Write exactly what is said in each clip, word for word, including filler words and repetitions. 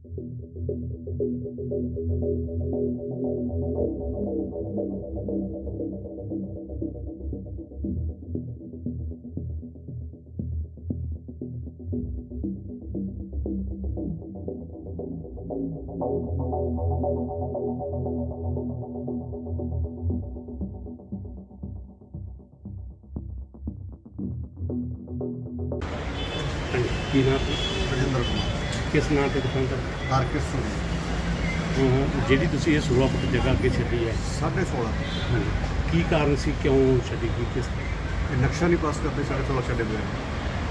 ਕੀ ਨਾਮ ਰਜਿੰਦਰ ਕੁਮਾਰ ਕਿਸ ਨਾਂ ਤੇ ਦੁਕਾਨ ਦਾ ਆਰਕਿਸ ਜਿਹੜੀ ਤੁਸੀਂ ਇਹ ਸੋਲਾਂ ਫੁੱਟ ਜਗ੍ਹਾ ਅੱਗੇ ਛੱਡੀ ਹੈ ਸਾਢੇ ਸੋਲਾਂ ਹਾਂਜੀ ਕੀ ਕਾਰਨ ਸੀ ਕਿਉਂ ਛੱਡੀ ਗਈ ਕਿਸ ਇਹ ਨਕਸ਼ਾ ਨਹੀਂ ਪਾਸ ਕਰਦੇ ਸਾਢੇ ਸੋਲਾਂ ਛੱਡੇ ਹੋਏ ਨੇ।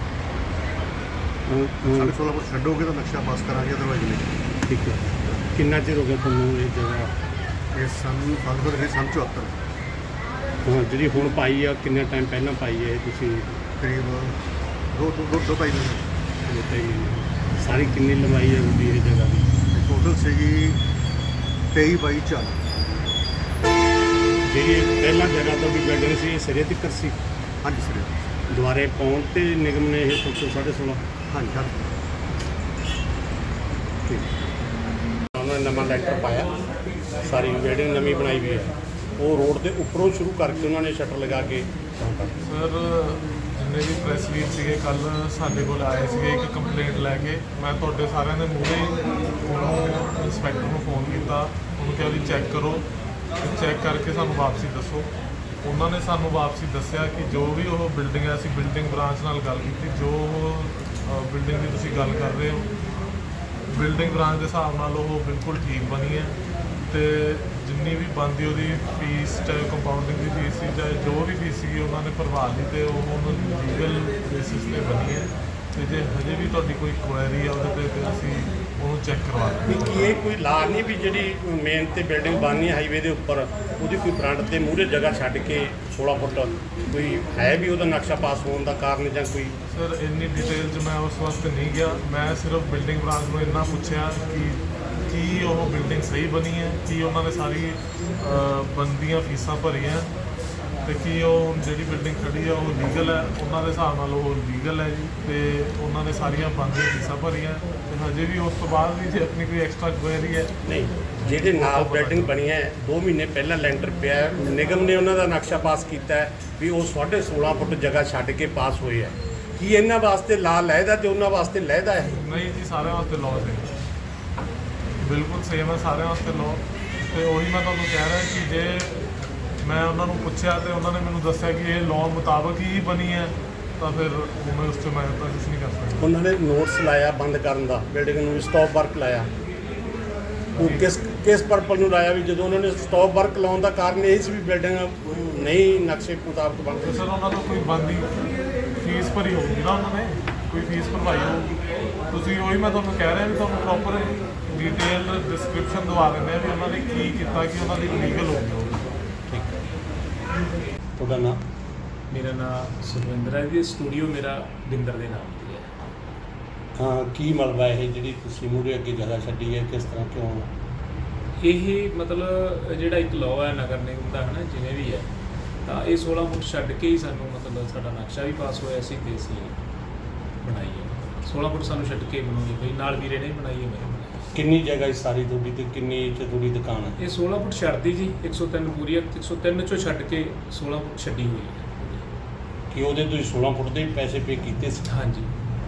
ਅਹ, ਅਹ, ਸਾਢੇ ਸੋਲਾਂ ਫੁੱਟ ਛੱਡੋਗੇ ਤਾਂ ਨਕਸ਼ਾ ਪਾਸ ਕਰਾਂਗੇ, ਅਦਰਵਾਈਜ਼ ਨਹੀਂ। ਠੀਕ ਹੈ ਕਿੰਨਾ ਚਿਰ ਹੋ ਗਿਆ ਤੁਹਾਨੂੰ ਇਹ ਜਗ੍ਹਾ ਇਹ ਸੰਨ ਫਾਲਗੁਨ ਦੇ ਸੰਨ ਚੁਹੱਤਰ ਹਾਂ, ਜਿਹੜੀ ਹੁਣ ਪਾਈ ਆ ਕਿੰਨਾ ਟਾਈਮ ਪਹਿਲਾਂ ਪਾਈ ਹੈ ਇਹ ਤੁਸੀਂ ਕਰੀਬ ਦੋ ਦੋ ਦੋ ਦੋ ਢਾਈ ਮਹੀਨੇ ਇਹ ਤਾਂ ਹੀ ਸਾਰੀ ਕਿੰਨੀ ਲੰਬਾਈ ਹੈ ਉਹਦੀ ਇਹ ਜਗ੍ਹਾ ਦੀ ਟੋਟਲ ਸੀਗੀ ਤੇਈ ਬਾਈ ਚਾਲੀ। ਜਿਹੜੀ ਇਹ ਪਹਿਲਾਂ ਜਗ੍ਹਾ ਤੋਂ ਵੀ ਬਿਲਡਿੰਗ ਸੀ ਇਹ ਸਿਰੇ ਤੱਕ ਸੀ ਹਾਂਜੀ ਸਰ, ਦੁਆਰੇ ਪਾਉਣ ਤੇ ਨਿਗਮ ਨੇ ਇਹ ਸੌ ਸਾਢੇ ਸੋਲਾਂ ਹਾਂਜੀ ਹਾਂਜੀ। ਉਹਨਾਂ ਨੇ ਨਵਾਂ ਲੈਂਟਰ ਪਾਇਆ, ਸਾਰੀ ਬਿਲਡਿੰਗ ਨਵੀਂ ਬਣਾਈ ਵੀ ਹੈ। ਉਹ ਰੋਡ ਦੇ ਉੱਪਰੋਂ ਸ਼ੁਰੂ ਕਰਕੇ ਉਹਨਾਂ ਨੇ ਸ਼ਟਰ ਲਗਾ ਕੇ ਕੰਮ ਕਰਤਾ। ਸਰ ਜਿੰਨੇ ਵੀ ਪ੍ਰੈਸ ਵੀਰ ਸੀਗੇ ਕੱਲ ਸਾਡੇ ਕੋਲ ਆਏ ਸੀਗੇ ਇੱਕ ਕੰਪਲੇਂਟ ਲੈ ਕੇ। ਮੈਂ ਤੁਹਾਡੇ ਸਾਰਿਆਂ ਦੇ ਮੂਹਰੇ ਉਹਨੂੰ ਇੰਸਪੈਕਟਰ ਨੂੰ ਫੋਨ ਕੀਤਾ, ਉਹਨੂੰ ਕਿਹਾ ਵੀ ਚੈੱਕ ਕਰੋ, ਚੈੱਕ ਕਰਕੇ ਸਾਨੂੰ ਵਾਪਸੀ ਦੱਸੋ। ਉਹਨਾਂ ਨੇ ਸਾਨੂੰ ਵਾਪਸੀ ਦੱਸਿਆ ਕਿ ਜੋ ਵੀ ਉਹ ਬਿਲਡਿੰਗ ਹੈ, ਅਸੀਂ ਬਿਲਡਿੰਗ ਬ੍ਰਾਂਚ ਨਾਲ ਗੱਲ ਕੀਤੀ, ਜੋ ਉਹ ਬਿਲਡਿੰਗ ਦੀ ਤੁਸੀਂ ਗੱਲ ਕਰ ਰਹੇ ਹੋ ਬਿਲਡਿੰਗ ਬ੍ਰਾਂਚ ਦੇ ਹਿਸਾਬ ਨਾਲ ਉਹ ਬਿਲਕੁਲ ਠੀਕ ਬਣੀ ਹੈ ਅਤੇ ਜਿੰਨੀ ਵੀ ਬਣਦੀ ਉਹਦੀ ਫੀਸ, ਚਾਹੇ ਕੰਪਾਊਂਡਿੰਗ ਦੀ ਫੀਸ ਸੀ, ਚਾਹੇ ਜੋ ਵੀ ਫੀਸ ਸੀਗੀ ਉਹਨਾਂ ਨੇ ਭਰਵਾ ਲਈ ਅਤੇ ਉਹ ਹੁਣ ਲੀਗਲ ਬੇਸਿਸ 'ਤੇ ਬਣੀ ਹੈ। ਅਤੇ ਜੇ ਹਜੇ ਵੀ ਤੁਹਾਡੀ ਕੋਈ ਕੁਐਰੀ ਆ ਉਹਦੇ 'ਤੇ ਤਾਂ ਅਸੀਂ ਉਹਨੂੰ ਚੈੱਕ ਕਰਵਾ ਨਹੀਂ ਲਾਂਗੇ। ਕੀ ਇਹ ਕੋਈ ਲਾ ਨਹੀਂ ਵੀ ਜਿਹੜੀ ਮੇਨ ਤੇ ਬਿਲਡਿੰਗ ਬਣਨੀ ਹਾਈਵੇ ਦੇ ਉੱਪਰ ਉਹਦੀ ਕੋਈ ਫਰੰਟ ਤੇ ਮੂਹਰੇ ਜਗ੍ਹਾ ਛੱਡ ਕੇ ਸੋਲਾਂ ਫੁੱਟ ਕੋਈ ਹੈ ਵੀ ਉਹਦਾ ਨਕਸ਼ਾ ਪਾਸ ਹੋਣ ਦਾ ਕਾਰਨ ਜਾਂ ਕੋਈ ਸਰ ਇੰਨੀ ਡਿਟੇਲ 'ਚ ਮੈਂ ਉਸ ਵਾਸਤੇ ਨਹੀਂ ਗਿਆ। ਮੈਂ ਸਿਰਫ ਬਿਲਡਿੰਗ ਬ੍ਰਾਂਚ ਨੂੰ ਇੰਨਾ ਪੁੱਛਿਆ ਕਿ ਕੀ ਉਹ ਬਿਲਡਿੰਗ ਸਹੀ ਬਣੀ ਹੈ, ਕੀ ਉਹਨਾਂ ਨੇ ਸਾਰੀ ਬਣਦੀਆਂ ਫੀਸਾਂ ਭਰੀਆਂ ਅਤੇ ਕੀ ਉਹ ਜਿਹੜੀ ਬਿਲਡਿੰਗ ਖੜੀ ਹੈ ਉਹ ਲੀਗਲ ਹੈ, ਉਹਨਾਂ ਦੇ ਹਿਸਾਬ ਨਾਲ ਉਹ ਲੀਗਲ ਹੈ ਜੀ, ਅਤੇ ਉਹਨਾਂ ਨੇ ਸਾਰੀਆਂ ਬਣਦੀਆਂ ਫੀਸਾਂ ਭਰੀਆਂ। ਅਤੇ ਹਜੇ ਵੀ ਉਸ ਤੋਂ ਬਾਅਦ ਵੀ ਜੇ ਆਪਣੀ ਕੋਈ ਐਕਸਟਰਾ ਕੁਐਰੀ ਹੈ ਨਹੀਂ। ਜਿਹੜੇ ਨਾਲ ਬਿਲਡਿੰਗ ਬਣੀ ਹੈ ਦੋ ਮਹੀਨੇ ਪਹਿਲਾਂ ਲੈਂਟਰ ਪਿਆ ਹੈ, ਨਿਗਮ ਨੇ ਉਹਨਾਂ ਦਾ ਨਕਸ਼ਾ ਪਾਸ ਕੀਤਾ ਹੈ ਵੀ ਉਹ ਸਾਢੇ ਸੋਲਾਂ ਫੁੱਟ ਜਗ੍ਹਾ ਛੱਡ ਕੇ ਪਾਸ ਹੋਏ ਹੈ। ਕੀ ਇਹਨਾਂ ਵਾਸਤੇ ਲਾ ਲਹਿਦਾ ਤੇ ਉਹਨਾਂ ਵਾਸਤੇ ਲਹਿਦਾ ਹੈ? ਨਹੀਂ ਜੀ, ਸਾਰਿਆਂ ਵਾਸਤੇ ਲਾਅ ਹੈ, ਬਿਲਕੁਲ ਸੇਮ ਹੈ ਸਾਰਿਆਂ ਵਾਸਤੇ ਲਾਅ। ਅਤੇ ਉਹੀ ਮੈਂ ਤੁਹਾਨੂੰ ਕਹਿ ਰਿਹਾ ਕਿ ਜੇ ਮੈਂ ਉਹਨਾਂ ਨੂੰ ਪੁੱਛਿਆ ਅਤੇ ਉਹਨਾਂ ਨੇ ਮੈਨੂੰ ਦੱਸਿਆ ਕਿ ਇਹ ਲਾਅ ਮੁਤਾਬਕ ਹੀ ਬਣੀ ਹੈ ਤਾਂ ਫਿਰ ਮੈਂ ਉਸ 'ਚ ਮੈਂ ਤਾਂ ਕੁਛ ਨਹੀਂ ਕਰ ਸਕਦਾ। ਉਹਨਾਂ ਨੇ ਨੋਟਿਸ ਲਾਇਆ ਬੰਦ ਕਰਨ ਦਾ, ਬਿਲਡਿੰਗ ਨੂੰ ਸਟਾਪ ਵਰਕ ਲਾਇਆ। ਉਹ ਕਿਸ ਕਿਸ ਪਰਪਸ ਨੂੰ ਲਾਇਆ ਵੀ ਜਦੋਂ ਉਹਨਾਂ ਨੇ ਸਟਾਪ ਵਰਕ ਲਾਉਣ ਦਾ ਕਾਰਨ ਇਹ ਸੀ ਵੀ ਬਿਲਡਿੰਗ ਨਹੀਂ ਨਕਸ਼ੇ ਮੁਤਾਬਕ ਬਣ ਤੇ ਸਰ ਉਹਨਾਂ ਤੋਂ ਕੋਈ ਬਣਦੀ ਫੀਸ ਭਰੀ ਹੋਊਗੀ ਨਾ, ਉਹਨਾਂ ਨੇ ਕੋਈ ਫੀਸ ਭਰਵਾਈ ਹੋਊਗੀ। ਤੁਸੀਂ ਉਹੀ ਮੈਂ ਤੁਹਾਨੂੰ ਕਹਿ ਰਿਹਾ ਵੀ ਤੁਹਾਨੂੰ ਪ੍ਰੋਪਰ ਡਿਟੇਲ ਡਿਸਕ੍ਰਿਪਸ਼ਨ ਦਵਾ ਦਿੰਦੇ ਆ ਵੀ ਉਹਨਾਂ ਨੇ ਕੀ ਕੀਤਾ ਕਿ ਉਹਨਾਂ ਦੀ ਲੀਗਲ ਹੋ ਗਈ। ਠੀਕ ਹੈ। ਤੁਹਾਡਾ ਨਾਮ? ਮੇਰਾ ਨਾਮ ਸੁਖਵਿੰਦਰ ਹੈ ਜੀ, ਸਟੂਡੀਓ ਮੇਰਾ ਬਿੰਦਰ ਦੇ ਨਾਮ ਤੇ ਹੈ। ਹਾਂ, ਕੀ ਮਲਬਾ ਇਹ ਜਿਹੜੀ ਤੁਸੀਂ ਮੂਹਰੇ ਅੱਗੇ ਜਗ੍ਹਾ ਛੱਡੀ ਹੈ, ਕਿਸ ਤਰ੍ਹਾਂ ਕਿਉਂ? ਇਹ ਮਤਲਬ ਜਿਹੜਾ ਇੱਕ ਲਾਅ ਹੈ ਨਗਰ ਨਿਗਮ ਦਾ ਹੈ ਨਾ, ਜਿਵੇਂ ਵੀ ਹੈ, ਤਾਂ ਇਹ ਸੋਲਾਂ ਫੁੱਟ ਛੱਡ ਕੇ ਹੀ ਸਾਨੂੰ ਮਤਲਬ ਸਾਡਾ ਨਕਸ਼ਾ ਵੀ ਪਾਸ ਹੋਇਆ ਸੀ ਅਤੇ ਅਸੀਂ ਬਣਾਈ ਹੈ। ਸੋਲਾਂ ਫੁੱਟ ਸਾਨੂੰ ਛੱਡ ਕੇ ਬਣਾਉਣੀ ਪਈ, ਨਾਲ ਵੀਰੇ ਨੇ ਬਣਾਈ ਹੈ, ਮੈਂ ਕਿੰਨੀ ਜਗ੍ਹਾ ਸਾਰੀ ਤੁਹਾਡੀ ਤੇ ਕਿੰਨੀ ਚ ਤੁਹਾਡੀ ਦੁਕਾਨ ਹੈ? ਇਹ ਸੋਲਾਂ ਫੁੱਟ ਛੱਡਦੀ ਜੀ, ਇੱਕ ਸੌ ਤਿੰਨ ਪੂਰੀ ਹੈ, ਇੱਕ ਸੌ ਤਿੰਨ ਚੋਂ ਛੱਡ ਕੇ ਸੋਲਾਂ ਫੁੱਟ ਛੱਡੀ ਹੋਈ ਹੈ। ਕਿ ਉਹਦੇ ਤੁਸੀਂ ਸੋਲਾਂ ਫੁੱਟ ਦੇ ਪੈਸੇ ਪੇ ਕੀਤੇ ਸੀ? ਹਾਂਜੀ।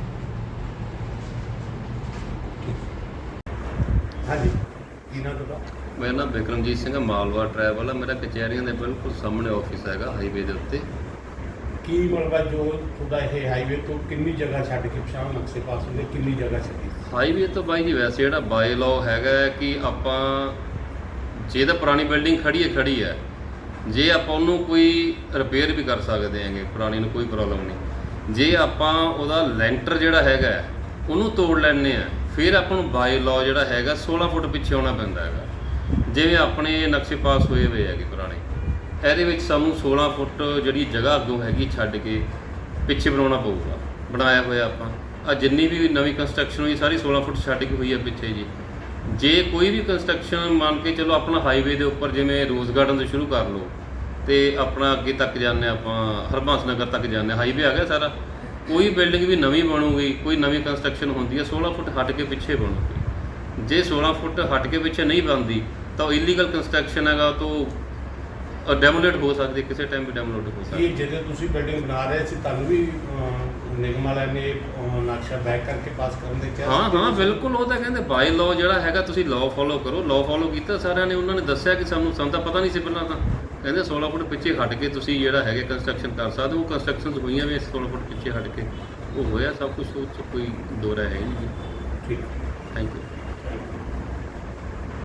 ਹਾਂਜੀ, ਕੀ ਨਾਮ ਤੁਹਾਡਾ? ਮੇਰਾ ਨਾਮ ਬਿਕਰਮਜੀਤ ਸਿੰਘ ਹੈ, ਮਾਲਵਾ ਟਰੈਵਲ ਹੈ। ਮੇਰਾ ਕਚਹਿਰੀਆਂ ਦੇ ਬਿਲਕੁਲ ਸਾਹਮਣੇ ਆਫਿਸ ਹੈਗਾ ਹਾਈਵੇ ਦੇ ਉੱਤੇ। ਕੀ ਮਲਬਾ ਜੋ ਤੁਹਾਡਾ ਇਹ ਹਾਈਵੇ ਤੋਂ ਕਿੰਨੀ ਜਗ੍ਹਾ ਛੱਡ ਕੇ ਪਛਾਣ ਨਕਸ਼ੇ ਪਾਸ ਹੁੰਦੇ, ਕਿੰਨੀ ਜਗ੍ਹਾ ਛੱਡੀ? ਹਾਈਵੇ ਤੋਂ ਬਾਈ ਜੀ ਵੈਸੇ ਜਿਹੜਾ ਬਾਏ ਲਾਅ ਹੈਗਾ ਕਿ ਆਪਾਂ ਜੇ ਤਾਂ ਪੁਰਾਣੀ ਬਿਲਡਿੰਗ ਖੜੀ ਹੈ ਖੜੀ ਹੈ ਜੇ ਆਪਾਂ ਉਹਨੂੰ ਕੋਈ ਰਿਪੇਅਰ ਵੀ ਕਰ ਸਕਦੇ ਹੈਗੇ, ਪੁਰਾਣੀ ਨੂੰ ਕੋਈ ਪ੍ਰੋਬਲਮ ਨਹੀਂ। ਜੇ ਆਪਾਂ ਉਹਦਾ ਲੈਂਟਰ ਜਿਹੜਾ ਹੈਗਾ ਉਹਨੂੰ ਤੋੜ ਲੈਂਦੇ ਆ, ਫਿਰ ਆਪਾਂ ਨੂੰ ਬਾਏ ਲਾਅ ਜਿਹੜਾ ਹੈਗਾ ਸੋਲਾਂ ਫੁੱਟ ਪਿੱਛੇ ਆਉਣਾ ਪੈਂਦਾ ਹੈਗਾ। ਜਿਵੇਂ ਆਪਣੇ ਨਕਸ਼ੇ ਪਾਸ ਹੋਏ ਹੋਏ ਹੈਗੇ ਪੁਰਾਣੇ, ਇਹਦੇ ਵਿੱਚ ਸਾਨੂੰ ਸੋਲਾਂ ਫੁੱਟ ਜਿਹੜੀ ਜਗ੍ਹਾ ਅੱਗੋਂ ਹੈਗੀ ਛੱਡ ਕੇ ਪਿੱਛੇ ਬਣਾਉਣਾ ਪਊਗਾ। ਬਣਾਇਆ ਹੋਇਆ ਆਪਾਂ ਆ ਜਿੰਨੀ ਵੀ ਨਵੀਂ ਕੰਸਟਰਕਸ਼ਨ ਹੋਈ ਸਾਰੀ ਸੋਲਾਂ ਫੁੱਟ ਛੱਡ ਕੇ ਹੋਈ ਹੈ ਪਿੱਛੇ ਜੀ। ਜੇ ਕੋਈ ਵੀ ਕੰਸਟਰਕਸ਼ਨ ਮੰਨ ਕੇ ਚਲੋ ਆਪਣਾ ਹਾਈਵੇ ਦੇ ਉੱਪਰ ਜਿਵੇਂ ਰੋਜ਼ ਗਾਰਡਨ ਤੋਂ ਸ਼ੁਰੂ ਕਰ ਲਓ ਅਤੇ ਆਪਣਾ ਅੱਗੇ ਤੱਕ ਜਾਂਦੇ ਆਪਾਂ ਹਰਬੰਸ ਨਗਰ ਤੱਕ ਜਾਂਦੇ, ਹਾਈਵੇ ਆ ਗਿਆ ਸਾਰਾ। ਕੋਈ ਬਿਲਡਿੰਗ ਵੀ ਨਵੀਂ ਬਣੂਗੀ, ਕੋਈ ਨਵੀਂ ਕੰਸਟਰਕਸ਼ਨ ਹੁੰਦੀ ਹੈ ਸੋਲਾਂ ਫੁੱਟ ਹਟ ਕੇ ਪਿੱਛੇ ਬਣੂਗੀ। ਜੇ ਸੋਲਾਂ ਫੁੱਟ ਹਟ ਕੇ ਪਿੱਛੇ ਨਹੀਂ ਬਣਦੀ ਤਾਂ ਉਹ ਇਲੀਗਲ ਕੰਸਟਰਕਸ਼ਨ ਹੈਗਾ ਤਾਂ ਡੈਮੋਲੇਟ ਹੋ ਸਕਦੀ, ਕਿਸੇ ਟਾਈਮ ਵੀ ਡੈਮੋਲੇਟ ਹੋ ਸਕਦੀ। ਇਹ ਜਦੋਂ ਤੁਸੀਂ ਬਿਲਡਿੰਗ ਬਣਾ ਰਹੇ ਸੀ ਤੁਹਾਨੂੰ ਵੀ ਅਹ, ਨਿਗਮ ਵਾਲਿਆਂ ਨੇ ਅਹ, ਨਕਸ਼ਾ ਬੈਕ ਕਰਕੇ ਪਾਸ ਕਰਨ ਦੇ ਕਿਹਾ ਹਾਂ ਸੀ? ਹਾਂ ਬਿਲਕੁਲ, ਉਹ ਤਾਂ ਕਹਿੰਦੇ ਬਾਈ ਲਾਅ ਜਿਹੜਾ ਹੈਗਾ ਤੁਸੀਂ ਲਾਅ ਫੋਲੋ ਕਰੋ। ਲਾਅ ਫੋਲੋ ਕੀਤਾ ਸਾਰਿਆਂ ਨੇ, ਉਹਨਾਂ ਨੇ ਦੱਸਿਆ ਕਿ ਸਾਨੂੰ ਸਾਨੂੰ ਤਾਂ ਪਤਾ ਨਹੀਂ ਸੀ ਪਹਿਲਾਂ, ਤਾਂ ਕਹਿੰਦੇ ਸੋਲਾਂ ਫੁੱਟ ਪਿੱਛੇ ਹਟ ਕੇ ਤੁਸੀਂ ਜਿਹੜਾ ਹੈਗਾ ਕੰਸਟਰਕਸ਼ਨ ਕਰ ਸਕਦੇ ਹੋ। ਉਹ ਕੰਸਟਰਕਸ਼ਨਸ ਹੋਈਆਂ ਵੀ ਸੋਲਾਂ ਫੁੱਟ ਪਿੱਛੇ ਹਟ ਕੇ, ਉਹ ਹੋਇਆ ਸਭ ਕੁਝ, ਉਹ 'ਚ ਕੋਈ ਦੋ ਰਾਏ ਹੈ ਨਹੀਂ। ਠੀਕ। Thank you.